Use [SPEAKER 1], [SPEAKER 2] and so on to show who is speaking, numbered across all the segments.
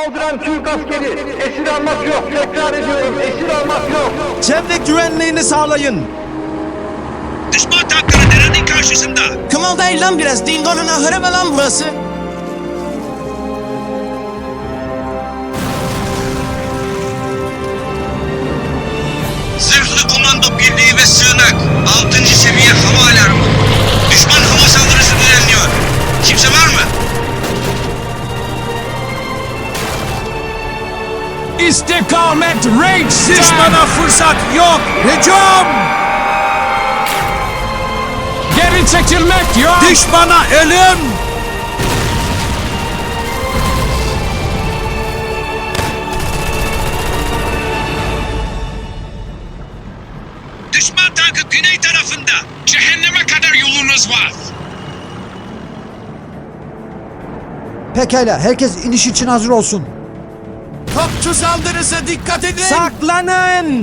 [SPEAKER 1] Saldıran Türk askeri. Esir almak yok. Tekrar ediyorum. Esir almak yok.
[SPEAKER 2] Çevre güvenliğini sağlayın.
[SPEAKER 3] Düşman tankları derenin karşısında.
[SPEAKER 4] Kımıldayın lan biraz. Dingo'nun ahırı mı lan burası?
[SPEAKER 3] Zırhlı komando birliği ve sığınak. 6. seviye hava alarmı. Düşman hava saldırısı düzenliyor. Kimse var mı?
[SPEAKER 5] İstikamet Reichstag!
[SPEAKER 2] Düşmana fırsat yok. Hücum!
[SPEAKER 5] Geri çekilmek yok!
[SPEAKER 2] Düşmana ölüm!
[SPEAKER 3] Düşman tankı güney tarafında. Cehenneme kadar yolunuz var.
[SPEAKER 6] Pekala, herkes iniş için hazır olsun.
[SPEAKER 4] Topçu saldırısı dikkat edin.
[SPEAKER 2] Saklanın!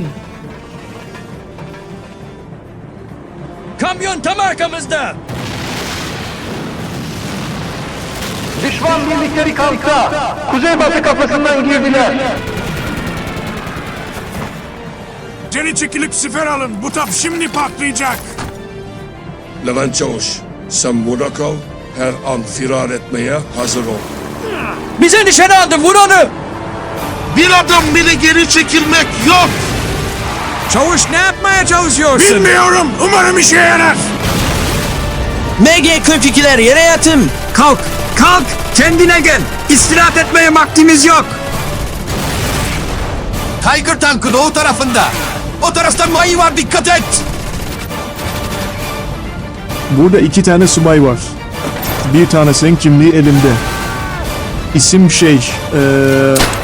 [SPEAKER 5] Kamyon tam arkamızda!
[SPEAKER 1] Düşman birlikleri kalkta. Kuzeybatı kapısından girdiler.
[SPEAKER 7] Geri çekilip siper alın. Bu tap şimdi patlayacak.
[SPEAKER 8] Levent Çavuş, sen burada kal. Her an firar etmeye hazır ol.
[SPEAKER 5] Bize nişan aldı, vur onu!
[SPEAKER 2] Bir adım bile geri çekilmek yok. Çavuş ne yapmaya çalışıyorsun?
[SPEAKER 7] Bilmiyorum. Umarım işe yarar.
[SPEAKER 4] MG-42'ler yere yatın.
[SPEAKER 2] Kalk, kalk, kendine gel. İstirahat etmeye vaktimiz yok.
[SPEAKER 4] Tiger tankı doğu tarafında. O tarafta mayı var, dikkat et.
[SPEAKER 9] Burada 2 tane subay var. Bir tanesinin kimliği elimde. İsim